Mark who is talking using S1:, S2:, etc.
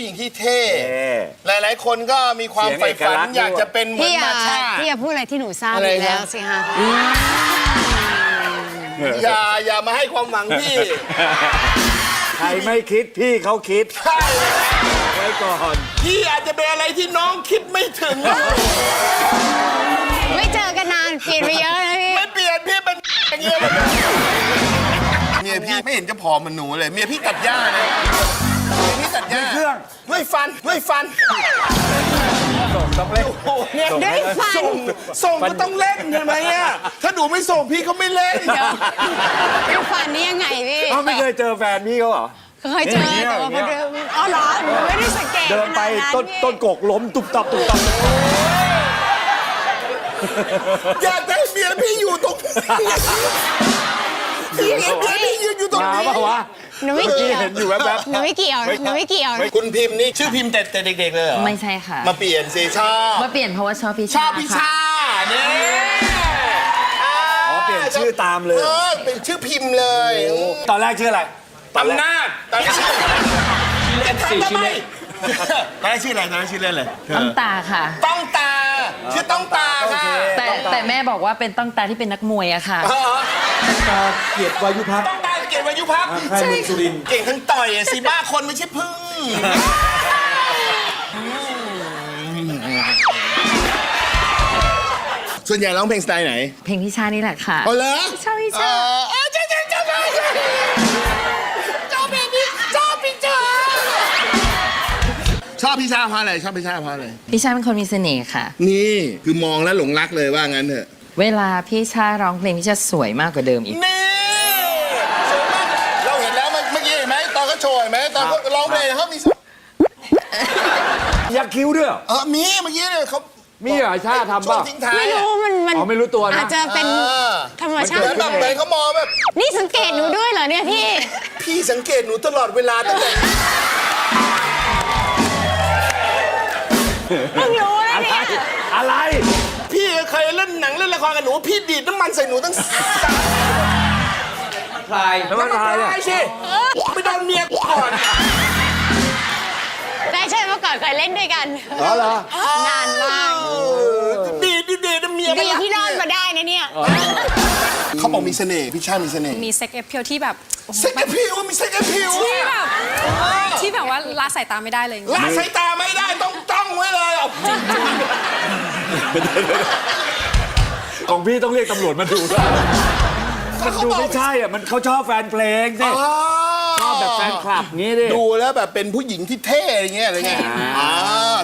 S1: ญิงที่เท่ หลายๆคนก็มีความใฝ่ฝันอยากจะเป็นเหมือนมาชา
S2: พี่อย่าพูดอะไรที่หนูทราบ
S1: อะไร
S2: อยู่
S1: นะ
S2: แล้วสิฮะ
S1: อย่ามาให้ความหวังพี่
S3: ใครไม่คิดพี่เขาคิด
S1: ใช่
S3: ไว้ก่อน
S1: พี่อาจจะเป็นอะไรที่น้องคิดไม่ถึง
S2: ไม่เจอกันนานเปลี่ยนไปเยอะนะพี่
S1: ไม่เปลี่ยนพี่เป็นอย่างเงี้ยเมียพี่ไม่เห็นจะผอมเหมือนหนูเลยเมียพี่ตัดหญ้าเลยเมียพี่ตัดหญ้า
S3: เครื่อง
S1: ด้วยฟัน
S3: ต้องเล่น
S1: โอ้โหเนี่ย
S2: ด้วยฟัน
S1: ส่งก็ต้องเล่นใช่ไหมอ่ะถ้าหนูไม่ส่งพี่เขาไม่เล่น
S2: ด้วยฟันนี่ยังไงพี่
S3: เขาไม่เคยเจอแฟนพี่เขาเหรอ
S2: เคยเจอแต่ว่าพอเดินอ๋อเหรอหนูไม่ได้สังเกต
S3: เดินไป
S2: ขนาด
S3: ต้นกกล้มตุบตับ
S1: อยากได้เมียพี่อยู่ตรงนี้พี่เห็นเมียพี่ยืนอยู่ตรง
S3: มา
S1: นี้
S3: ปะวะ
S2: หนูไม่เกี่ยว
S3: เห็นอยู่แวบ
S2: หนูไม่เกี่ยวหนูไม่เกี่ยว
S1: คุณพิมพ์นี่ชื่อพิมพ์แต่เด็กๆเลยเหรอ
S4: ไม่ใช่ค่ะ
S1: มาเปลี่ยนสิชอบ
S4: มาเปลี่ยนเพราะว่าชอบพี่
S1: ชอบพี่
S4: ค่ะ
S1: ชาเนี่ย
S3: อ๋อเปลี่ยนชื่อตามเลย
S1: เป็นชื่อพิมพ์เลย
S3: ตอนแรกชื่ออะไร
S1: อำนาจตอนนี้ชื่อจะทำทำไมตอนแรกชื่ออะไรตอนแรกชื่อเล่นเลย
S4: ต้องตาค่ะ
S1: ต้องตาชื่อต้องตาค่ะ
S4: แต่แม่บอกว่าเป็นต้องตาที่เป็นนักมวยอะค่ะ
S3: ตาเกียรติวายุพัก
S1: ต้องตาเก่งวายุพัก
S3: ค่ายเมืองสุรินทร์
S1: เก่งทั้งต่อยอะสิบ้าคนไม่ใช่พึ่งส่วนใหญ่ร้องเพลงสไตล์ไหน
S4: เพลงพี่ชานี่แหละค่ะ
S1: เอาเลย
S4: ชอบพี่ชา
S1: ใช่ชอบพี่ชาเพราะอะไรชอบพี่ชาเพราะอะไร
S4: พี่ชาเป็นคนมีเสน่ห์ค่ะ
S1: นี่คือมองแล้วหลงรักเลยว่างั้นเถอะ
S4: เวลาพี่ชาร้องเพลงพี่ชาสวยมากกว่าเดิมอีก
S1: นี่สวยมากเราเห็นแล้วเมื่อกี้เห็นไหมตอนเขาโชว์เห็นไหมตอนเขาร้องเพลงเขามี
S3: ยักคิ้วด้วยเหรอ
S1: มีเมื่อกี้เนี่ยเขา
S3: มีเหรอชาทำป่ะ
S1: ช่วงทิ้งท้าย
S2: ไม่
S1: อะ
S2: รู้มัน
S3: อ๋อไม่รู้ตัวนะ
S2: อาจจะเป็นธรรมชา
S1: เหมื
S2: ติ
S1: อนแบบเหมือนเขามองแบบ
S2: นี่สังเกตหนูด้วยเหรอเนี่ยพี่
S1: พี่สังเกตหนูตลอดเวลาตั้งแต่
S2: เพิ่งรู้แล้ว
S3: อะไร
S2: เนี่ย
S3: อะไร
S1: พี่เคยเล่นหนังเล่นละครกับหนูพี่ดีดน้ำมันใส่หนูตั้ง
S3: พลายแล้วมันพลายเนี่ย
S1: ใช่สิไม่โดนเมียก่อน
S2: ได้ใช่เมื่อก่อนเคยเล่นด้วยกัน
S3: อ๋อเหรอ
S2: นานมาก
S1: ดีดน้ำเมีย
S2: ดีที่รอดมาได้นะเนี่ย
S1: เขาบอกมีเสน่ห์พี่ชามีเสน่ห์
S5: มีเซ็กเอฟเพียวที่แบบโอ้โห
S1: เซ็กแอพิวมีเซ็กแอพิว
S5: ที่แบบที่แบบว่าละสายตาไม่ได้เลย
S1: ละสายตาไม่ได้ต้องจ้องไว้เลยอ่ะ
S3: ของพี่ต้องเรียกตำรวจมาดูด้วยมันดูไม่ใช่อ่ะมันเขาชอบแฟนเพลงสิชอบแบบแฟนคลับงี้ดิ
S1: ดูแล้วแบบเป็นผู้หญิงที่เท่อย่างเงี้ยอะไรเงี้ย